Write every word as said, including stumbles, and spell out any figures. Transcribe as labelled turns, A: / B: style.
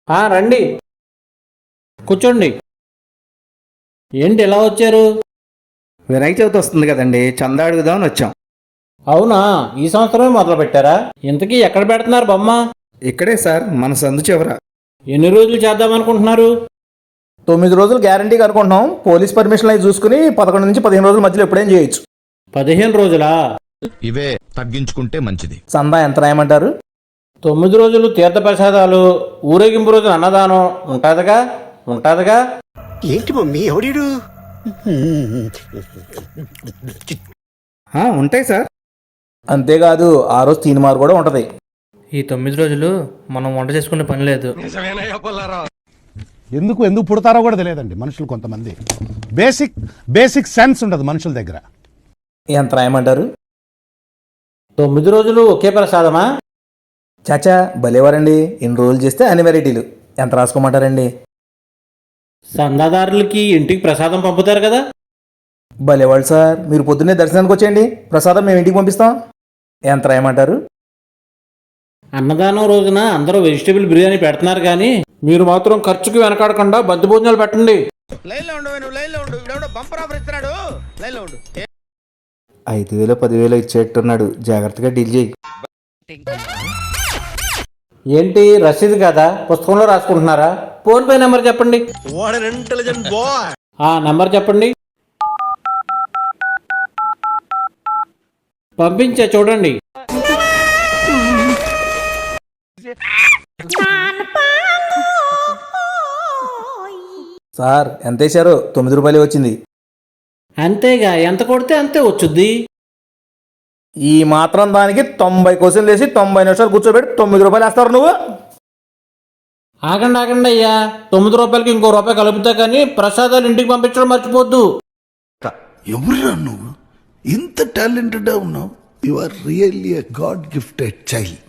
A: ఆ, రండి కూర్చోండి. ఏంటి ఎలా వచ్చారు?
B: వినాయక చవితి వస్తుంది కదండి, చందా అడుగుదామని వచ్చాం.
A: అవునా, ఈ సంవత్సరమే మొదలు పెట్టారా? ఇంతకీ ఎక్కడ పెడుతున్నారు బొమ్మ?
B: ఇక్కడే సార్, మన సందు చివర.
A: ఎన్ని రోజులు చేద్దామనుకుంటున్నారు?
C: తొమ్మిది రోజులు గ్యారంటీగా అనుకుంటున్నాం. పోలీస్ పర్మిషన్ అవి చూసుకుని పదకొండు నుంచి పదిహేను రోజుల మధ్యలో ఎప్పుడేం చేయొచ్చు.
A: పదిహేను రోజులా?
D: ఇవే తగ్గించుకుంటే మంచిది.
C: చందా ఎంత రాయమంటారు?
A: తొమ్మిది రోజులు తీర్థ ప్రసాదాలు, ఊరేగింపు రోజులు అన్నదానం ఉంటుందిగా ఉంటుందిగా
E: ఏంటి మమ్మీ ఎవడీడు?
B: ఆ, ఉంటాయి సార్.
C: అంతేకాదు ఆ రోజు తీన్మార్ కూడా ఉంటది.
F: ఈ తొమ్మిది రోజులు మనం వంట చేసుకునే పని లేదు.
G: ఎందుకు ఎందుకు పుడతారో కూడా తెలియదండి మనుషులు. కొంతమంది బేసిక్ బేసిక్ సెన్స్ ఉండదు మనుషుల దగ్గర.
C: ఎంత రాయమంటారు?
A: తొమ్మిది రోజులు ఒకే ప్రసాదమా?
C: చాచా భలేవారండి, ఎన్ని రోజులు చేస్తే అన్ని వెరైటీలు. ఎంత రాసుకోమంటారండి?
A: చందాదారులకి ఇంటికి ప్రసాదం పంపుతారు కదా.
C: భలేవాళ్ళు సార్, మీరు పొద్దున్నే దర్శనానికి వచ్చేయండి, ప్రసాదం మేము ఇంటికి పంపిస్తాం. ఎంత రాయమంటారు?
A: అన్నదానం రోజున అందరూ వెజిటేబుల్ బిర్యానీ పెడుతున్నారు కానీ మీరు మాత్రం ఖర్చుకి వెనకాడకుండా బంతి భోజనాలు పెట్టండి.
B: ఐదు వేలు పదివేలు ఇచ్చేట్టున్నాడు, జాగ్రత్తగా డీల్ చేయి.
A: ఏంటి రసీదు కదా, పుస్తకంలో రాసుకుంటున్నారా? ఫోన్ పే నెంబర్ చెప్పండి. ఆ నెంబర్ చెప్పండి. పంపించే చూడండి.
C: సార్ ఎంత వేశారో? తొమ్మిది రూపాయలు వచ్చింది.
A: అంతేగా, ఎంత కొడితే అంతే వచ్చుద్ది.
C: ఈ మాత్రం దానికి తొంభై క్వశ్చన్లు వేసి తొంభై నిమిషాలు కూర్చోబెట్టి తొమ్మిది రూపాయలు వేస్తారు నువ్వు.
A: ఆగండి ఆగండి అయ్యా, తొమ్మిది రూపాయలకి ఇంకో రూపాయి కలుపుతా కానీ ప్రసాదాలు ఇంటికి పంపించడం మర్చిపోద్దు.
H: ఎవరురా నువ్వు? ఇంత టాలెంటెడ్ ఉన్నావు. You are really a god gifted child.